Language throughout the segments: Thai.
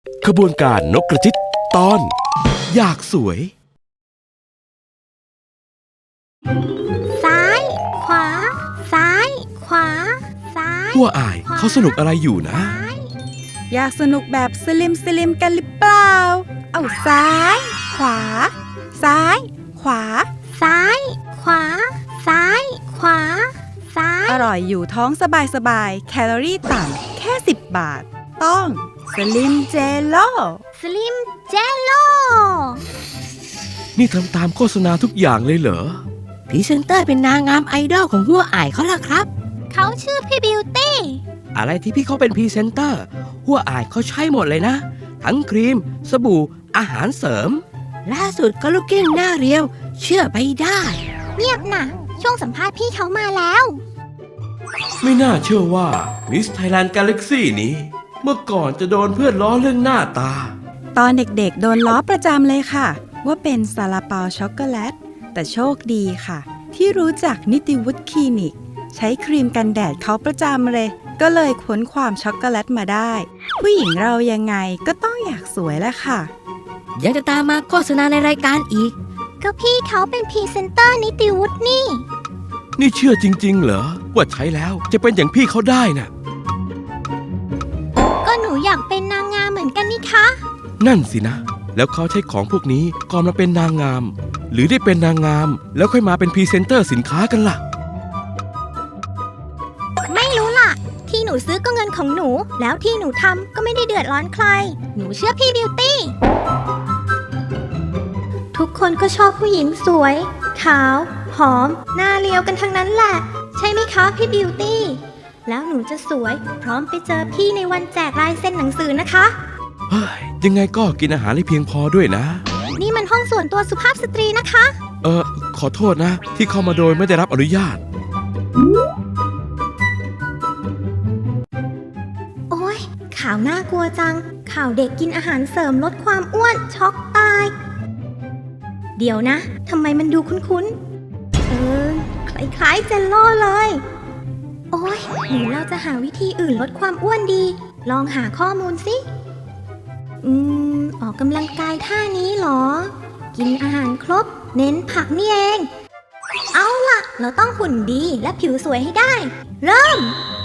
ขบวนการนกกระจิตตอนอยากสวยซ้ายขวาซ้ายขวาซ้ายหัวอายเขาสนุกอะไรอยู่นะอยากสนุกแบบสลิมกันหรือเปล่าเอาซ้ายขวาซ้ายขวาซ้ายขวาซ้ายขวาซ้ายอร่อยอยู่ท้องสบายแคลอรี่ต่ำแค่10 บาทต้องสลิมเจโล่สลิมเจโลนี่ทำตามโฆษณาทุกอย่างเลยเหรอพรีเซนเตอร์เป็นนางงามไอดอลของหัวอ่ายเขาล่ะครับเขาชื่อพี่บิวตี้อะไรที่พี่เขาเป็นพรีเซนเตอร์หัวอ่ายเขาใช้หมดเลยนะทั้งครีมสบู่อาหารเสริมล่าสุดก็ลูกเก้งหน้าเรียวเชื่อไปได้เงียบนะช่วงสัมภาษณ์พี่เขามาแล้วไม่น่าเชื่อว่ามิสไทยแลนด์กาแล็กซี่นี้เมื่อก่อนจะโดนเพื่อนล้อเรื่องหน้าตาตอนเด็กๆโดนล้อประจำเลยค่ะว่าเป็นซาลาเปาช็อกโกแลตแต่โชคดีค่ะที่รู้จักนิติวุฒิคลินิกใช้ครีมกันแดดเขาประจำเลยก็เลยค้นความช็อกโกแลตมาได้ผู้หญิงเรายังไงก็ต้องอยากสวยแหละค่ะยังจะตามมาโฆษณาในรายการอีกก็พี่เขาเป็นพรีเซนเตอร์นิติวุฒินี่เชื่อจริงๆเหรอว่าใช้แล้วจะเป็นอย่างพี่เขาได้น่ะก็หนูอยากเป็นนางงามเหมือนกันนี่คะนั่นสินะแล้วเขาใช้ของพวกนี้ก่อนมาเป็นนางงามหรือได้เป็นนางงามแล้วค่อยมาเป็นพรีเซนเตอร์สินค้ากันล่ะไม่รู้ล่ะที่หนูซื้อก็เงินของหนูแล้วที่หนูทำก็ไม่ได้เดือดร้อนใครหนูเชื่อพี่บิวตี้ทุกคนก็ชอบผู้หญิงสวยขาวหอมหน้าเรียวกันทั้งนั้นแหละใช่ไหมคะพี่บิวตี้แล้วหนูจะสวยพร้อมไปเจอพี่ในวันแจกลายเซ็นหนังสือนะคะเฮ้ยยังไงก็กินอาหารให้เพียงพอด้วยนะนี่มันห้องส่วนตัวสุภาพสตรีนะคะขอโทษนะที่เข้ามาโดยไม่ได้รับอนุญาตโอ๊ยข่าวน่ากลัวจังข่าวเด็กกินอาหารเสริมลดความอ้วนช็อกตายเดี๋ยวนะทำไมมันดูคุ้นๆคล้ายๆเจลโล่เลยโอ๊ยหรือเราจะหาวิธีอื่นลดความอ้วนดีลองหาข้อมูลสิออกกำลังกายท่านี้หรอกินอาหารครบเน้นผักนี่เองเอาล่ะเราต้องหุ่นดีและผิวสวยให้ได้เริ่ม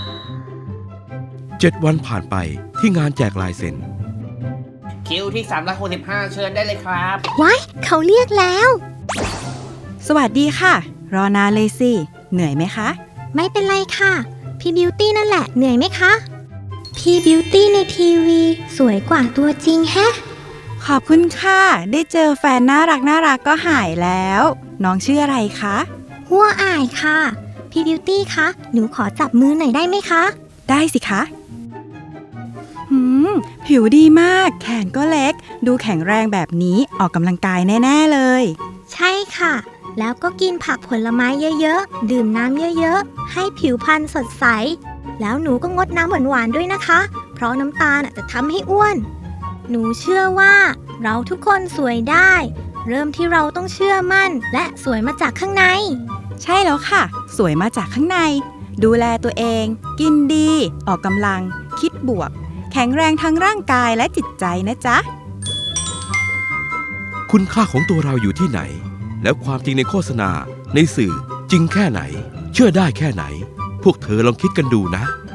7 วันผ่านไปที่งานแจกลายเซ็นคิวที่365เชิญได้เลยครับว้ายเขาเรียกแล้วสวัสดีค่ะรอนานเลยสิเหนื่อยไหมคะไม่เป็นไรค่ะพี่บิวตี้นั่นแหละเหนื่อยไหมคะพี่บิวตี้ในทีวีสวยกว่าตัวจริงแฮะขอบคุณค่ะได้เจอแฟนน่ารักก็หายแล้วน้องชื่ออะไรคะหัวอายค่ะพี่บิวตี้คะหนูขอจับมือหน่อยได้ไหมคะได้สิคะผิวดีมากแขนก็เล็กดูแข็งแรงแบบนี้ออกกำลังกายแน่ๆเลยใช่ค่ะแล้วก็กินผักผลไม้เยอะๆดื่มน้ำเยอะๆให้ผิวพรรณสดใสแล้วหนูก็งดน้ำหวานๆด้วยนะคะเพราะน้ำตาลจะทำให้อ้วนหนูเชื่อว่าเราทุกคนสวยได้เริ่มที่เราต้องเชื่อมั่นและสวยมาจากข้างในใช่แล้วค่ะสวยมาจากข้างในดูแลตัวเองกินดีออกกำลังคิดบวกแข็งแรงทั้งร่างกายและจิตใจนะจ๊ะคุณค่าของตัวเราอยู่ที่ไหนแล้วความจริงในโฆษณาในสื่อจริงแค่ไหนเชื่อได้แค่ไหนพวกเธอลองคิดกันดูนะ